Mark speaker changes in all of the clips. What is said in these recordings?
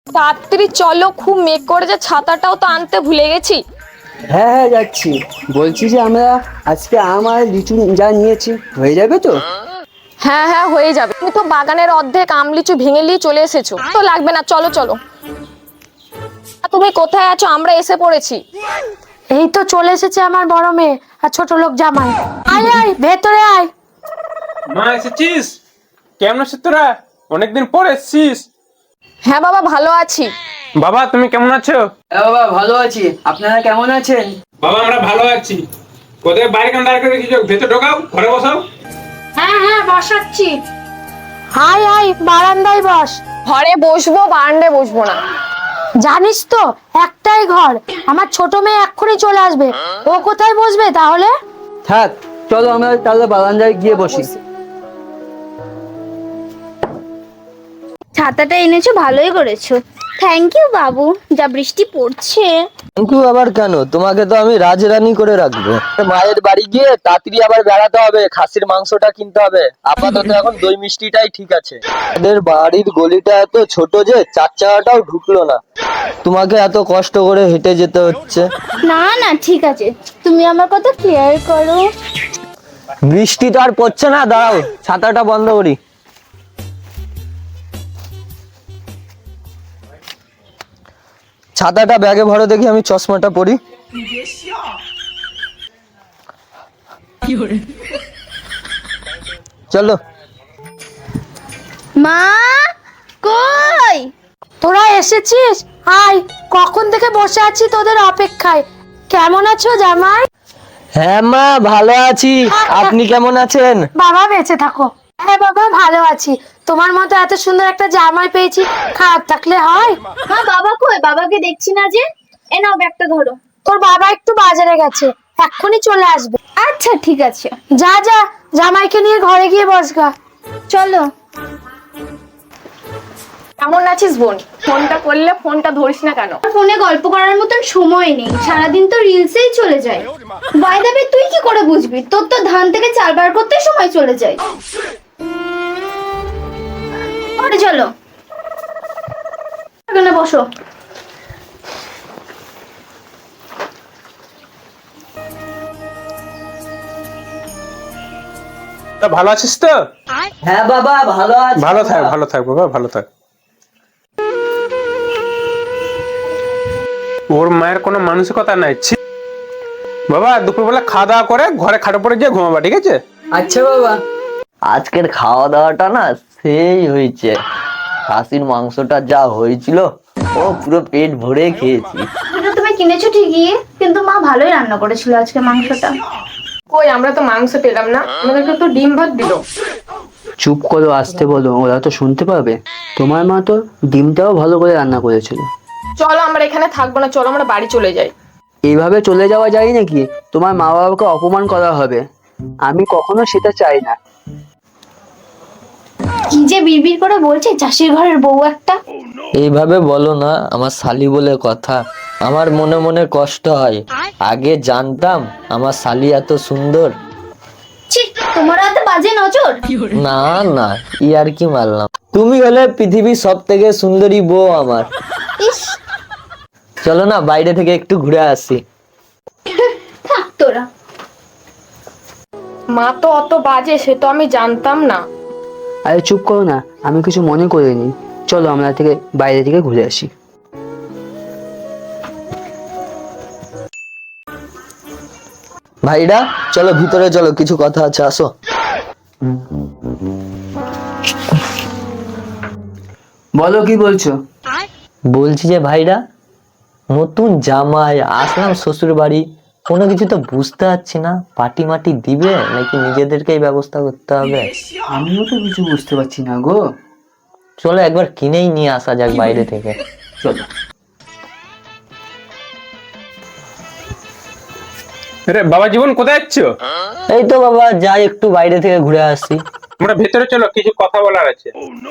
Speaker 1: তাড়াতাড়ি চলো, খুব মেঘ করেছে, ছাতাটাও তো আনতে ভুলে গেছি।
Speaker 2: হ্যাঁ হ্যাঁ যাচ্ছি। বলছি যে আমরা আজকে আম আর লিচু যা নিয়েছি হয়ে যাবে তো?
Speaker 1: হ্যাঁ হ্যাঁ হয়ে যাবে, তুমি তো বাগানের অর্ধেক আম লিচু ভেঙে নিয়ে চলে এসেছো, তো লাগবে না, চলো চলো। তুমি কোথায় আছো? আমরা এসে পড়েছি।
Speaker 3: এই তো চলে এসেছে আমার বড় মেয়ে আর ছোট লোক জামাই। আয় আয় ভেতরে আয়।
Speaker 4: মা এসেছিস? কেমন আছিস তোরা? অনেকদিন পর এসেছিস।
Speaker 1: হ্যাঁ বাবা, ভালো আছি।
Speaker 4: বাবা তুমি কেমন আছো?
Speaker 2: হ্যাঁ বাবা ভালো আছি, আপনারা কেমন আছেন?
Speaker 4: বাবা আমরা ভালো আছি। কোথায় বাইরে কেন দাঁড় করে রেখেছো? ভেতর ঢোকাও, ঘরে বসাও।
Speaker 3: হ্যাঁ হ্যাঁ বসাচ্ছি। আয় আয় বারান্দায় বস।
Speaker 1: ঘরে বসবো, বারান্দায় বসবো না।
Speaker 3: জানিস তো একটাই ঘর, আমার ছোট মেয়ে এক্ষুনি চলে আসবে, ও কোথায় বসবে তাহলে?
Speaker 2: থাক, চলো আমরা তাহলে বারান্দায় গিয়ে বসি।
Speaker 5: ছাতাটা এনেছো, ভালোই করেছো। থ্যাংক ইউ বাবু, যা বৃষ্টি পড়ছে।
Speaker 6: কিন্তু আবার কেন? তোমাকে তো আমি রাজরানী করে রাখবো। মায়ের বাড়ি গিয়ে তাড়াতাড়ি আবার বেড়াতে হবে, খাসির মাংসটা কিনতে হবে। আপাতত এখন দই মিষ্টিটাই ঠিক আছে। আমাদের বাড়ির গলিটা এত ছোট যে চার চাকাটাও ঢুকলো না, তোমাকে এত কষ্ট করে হেঁটে যেতে হচ্ছে।
Speaker 5: না না ঠিক আছে, তুমি আমার কথা কেয়ার করো।
Speaker 6: বৃষ্টি তো আর পড়ছে না, দাঁড়াও ছাতাটা বন্ধ করি। ছাতাটা ব্যাগে ভরো দেখি, আমি চশমাটা পরি। চলো।
Speaker 5: মা কই?
Speaker 3: তোরা এসেছিস? আয়, কখন থেকে বসে আছি তোদের অপেক্ষায়। কেমন আছো জামাই?
Speaker 6: হ্যাঁ মা ভালো আছি, আপনি কেমন আছেন?
Speaker 3: বাবা বেঁচে থাকো। হ্যাঁ বাবা ভালো আছি, তোমার মতো এত সুন্দর একটা জামাই পেয়েছি, খারাপ থাকলে হয়?
Speaker 5: মা বাবা কই? বাবাকে দেখছি না যে। এ নাও ব্যাগটা ধরো।
Speaker 3: তোর বাবা একটু বাজারে গেছে, এক্ষুনি চলে আসবে।
Speaker 5: আচ্ছা ঠিক আছে,
Speaker 3: যা যা, জামাইকে নিয়ে ঘরে গিয়ে বসগা।
Speaker 5: চলো।
Speaker 1: কেমন আছিস বোন? ফোনটা করলে ফোনটা ধরিস না কেন?
Speaker 5: ফোনে গল্প করার মতন সময় নেই, সারাদিন তো রিলসেই চলে যায়। বাই দ্য ওয়ে, তুই কি করে বুঝবি? তোর তো ধান থেকে চাল বার করতে সময় চলে যায়। ঘরে চলো, এখানে বসো।
Speaker 4: তা ভালো আছিস তো?
Speaker 2: হ্যাঁ বাবা ভালো আছি।
Speaker 4: ভালো থাক, ভালো থাক বাবা, ভালো থাক। ওর মায়ের কোনো মানসিকতা নাই। ছি। বাবা দুপুরবেলা খাওয়া দাওয়া করে ঘরে খাটে পড়ে গিয়ে ঘুমাবা, ঠিক আছে?
Speaker 2: আচ্ছা বাবা।
Speaker 6: আজকের খাওয়া দাওয়াটা না সেই হয়েছে, খাসির মাংসটা যা হয়েছিল, ও পুরো পেট ভরে খেয়েছি।
Speaker 5: এটা তুমি কিনেছো ঠিকই, কিন্তু মা ভালোই রান্না করেছিল আজকে মাংসটা।
Speaker 1: কই, আমরা তো মাংস পেলাম না, আমাদেরকে তো ডিম ভাত দিল।
Speaker 2: চুপ করো, আসতে বলো, ওরা তো শুনতে পাবে। তোমার মা তো ডিমটাও ভালো করে রান্না করেছিল।
Speaker 1: চলো আমরা এখানে থাকবো না, চলো আমরা বাড়ি চলে যাই।
Speaker 2: এইভাবে চলে যাওয়া যায় নাকি? তোমার মা বাবাকে অপমান করা হবে, আমি কখনো সেটা চাই না।
Speaker 5: কি যে বিড়বিড় করে বলছে, চাষির ঘরের বউ একটা।
Speaker 6: এইভাবে বলো না, আমার শালি বলে কথা। আমার মনে মনে কষ্ট হয়, আগে জানতাম আমার শালি এত সুন্দর।
Speaker 5: ছি, তোমার এত বাজে নজর।
Speaker 6: না না, ই আর কি মারলাম। তুমি হলে পৃথিবীর সব থেকে সুন্দরী বউ আমার।
Speaker 5: ইস,
Speaker 6: চলো না বাইরে থেকে একটু ঘুরে আসি।
Speaker 5: থাক তোরা।
Speaker 1: মা তো অত বাজে, সে তো আমি জানতাম না।
Speaker 2: আরে চুপ করো না, আমি কিছু মনে করিনি। চলো আমরা বাইরে থেকে ঘুরে আসি।
Speaker 6: ভাইরা চলো ভিতরে চলো, কিছু কথা আছে, আসো।
Speaker 2: বলো কি বলছো?
Speaker 6: বলছি যে ভাইরা, নতুন জামাই আসলাম শ্বশুর বাড়ি, কোনো কিছু তো বুঝতে পারছি না। পাটি মাটি দিবে নাকি নিজেদেরকেই ব্যবস্থা করতে হবে?
Speaker 2: আমিও তো কিছু বুঝতে পারছি না গো।
Speaker 6: চলো একবার কিনেই নিয়ে আসা যাক বাইরে থেকে।
Speaker 2: চলো।
Speaker 4: রে বাবা জীবন কোথায় যাচ্ছ?
Speaker 6: এই তো বাবা যাই একটু বাইরে থেকে ঘুরে আসি।
Speaker 4: আমরা ভেতরে চলো, কিছু কথা বলার আছে।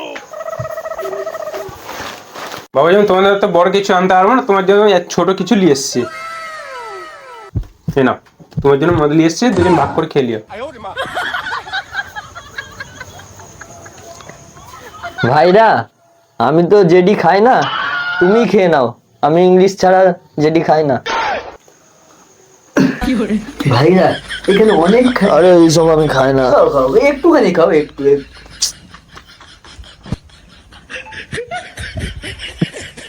Speaker 4: বাবা যেমন তোমাদের তো বড় কিছু আনতে পারবো না, তোমার জন্য এক ছোট কিছু নিয়ে এসছি। এই নাও, তোমার জন্য মদ নিয়ে এসছি, দুজন ভাগ করে খেয়ে লিও।
Speaker 6: ভাইরা আমি তো জেডি খাই না, তুমি খেয়ে নাও, আমি ইংলিশ ছাড়া যেটি খাই না।
Speaker 2: ভাইরা এখানে অনেক
Speaker 6: আরে এইসব আমি খাই না।
Speaker 2: খাও খাও, একটুখানি খাও, একটু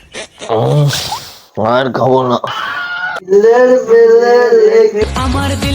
Speaker 6: আর খাবো না।
Speaker 2: একটু।
Speaker 7: আমার